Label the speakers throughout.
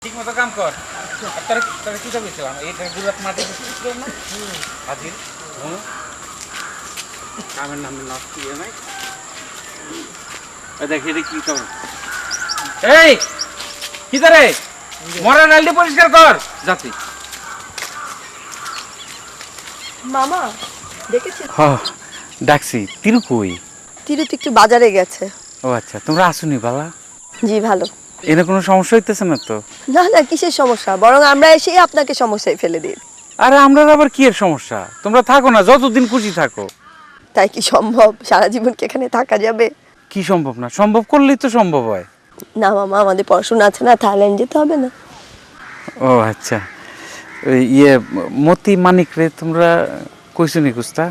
Speaker 1: ঠিক মতো কাম কর। আর তোরা তোরা কি করছিলাম এইটা গুলাত মাটি দিছিস না হাজির কামের নামে নষ্ট ইয়ে নাই। দেখি এটা কি কাম। এই কি রে মরা নালটি পরিষ্কার কর জাতি।
Speaker 2: মামা দেখেছি
Speaker 1: হ্যাঁ ডাকছি তিরু কই?
Speaker 2: তিরু তো একটু বাজারে গেছে।
Speaker 1: ও আচ্ছা তোমরা আসুনি বালা?
Speaker 2: জি ভালো।
Speaker 1: এনে কোনো সমস্যা হইতেছে না তো?
Speaker 2: না না কিসের সমস্যা, বরং আমরা এসেই আপনাকে সমস্যায় ফেলে দিই।
Speaker 1: আরে আমরা আবার কি এর সমস্যা? তোমরা থাকো না, যতদিন খুশি থাকো।
Speaker 2: তাই কি সম্ভব সারা জীবন কি এখানে থাকা যাবে?
Speaker 1: কি সম্ভব না? সম্ভব করলেই তো সম্ভব হয়।
Speaker 2: না মামা আমাদের পড়াশোনা আছে না, থাইল্যান্ড যেতে হবে না?
Speaker 1: ও আচ্ছা ওই ইয়ে মতি মানিক রে তোমরা কইছো নি কুস্তা?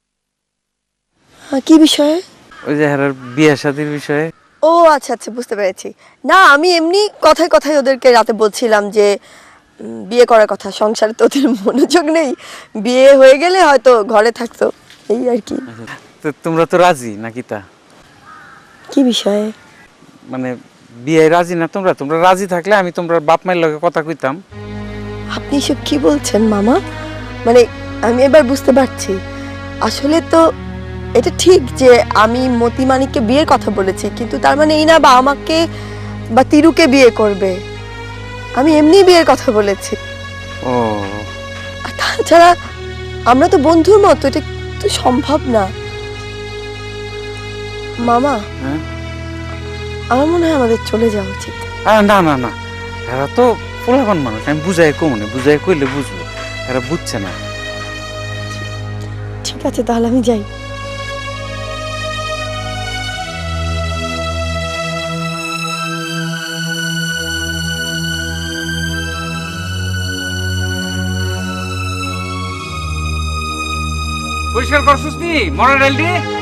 Speaker 2: কি বিষয়ে?
Speaker 1: ওই যে হারার বিয়ে শাদির বিষয়ে।
Speaker 2: ও আচ্ছা আচ্ছা বুঝতে পেরেছি। না আমি এমনি কথায় কথায় ওদেরকে রাতে বলছিলাম যে বিয়ে করার কথা, সংসারে তো ওদের মনোযোগ নেই, বিয়ে হয়ে গেলে হয়তো ঘরে থাকতো, এই আর কি।
Speaker 1: তো তোমরা তো রাজি নাকি? তা
Speaker 2: কি বিষয়ে?
Speaker 1: মানে বিয়ে রাজি না তোমরা? তোমরা রাজি থাকলে আমি তোমরা বাপ মায়ের লগে কথা কইতাম।
Speaker 2: আপনি এসব কি বলছেন মামা? মানে আমি এবার বুঝতে পারছি, আসলে তো এটা ঠিক যে আমি মতি মানিককে বিয়ের কথা বলেছি, কিন্তু তার মানে এই না বা আমাকে বা তিরুকে বিয়ে করবে। আমি এমনি বিয়ের কথা বলেছি।
Speaker 1: ও
Speaker 2: আর তাছাড়া আমরা তো বন্ধুর মতো, এটা তো সম্ভব না মামা।
Speaker 1: হ্যাঁ
Speaker 2: আমার মনে হয় আমাদের চলে যাওয়া উচিত।
Speaker 1: না না না, এরা তো পোলাপান মানুষ, আমি বুঝাই কমনে, বুঝাই কইলে বুঝবো, এরা বুঝছে না।
Speaker 2: ঠিক আছে তাহলে আমি যাই।
Speaker 1: পরিষ্কার করছিস নি মরা ডালটি?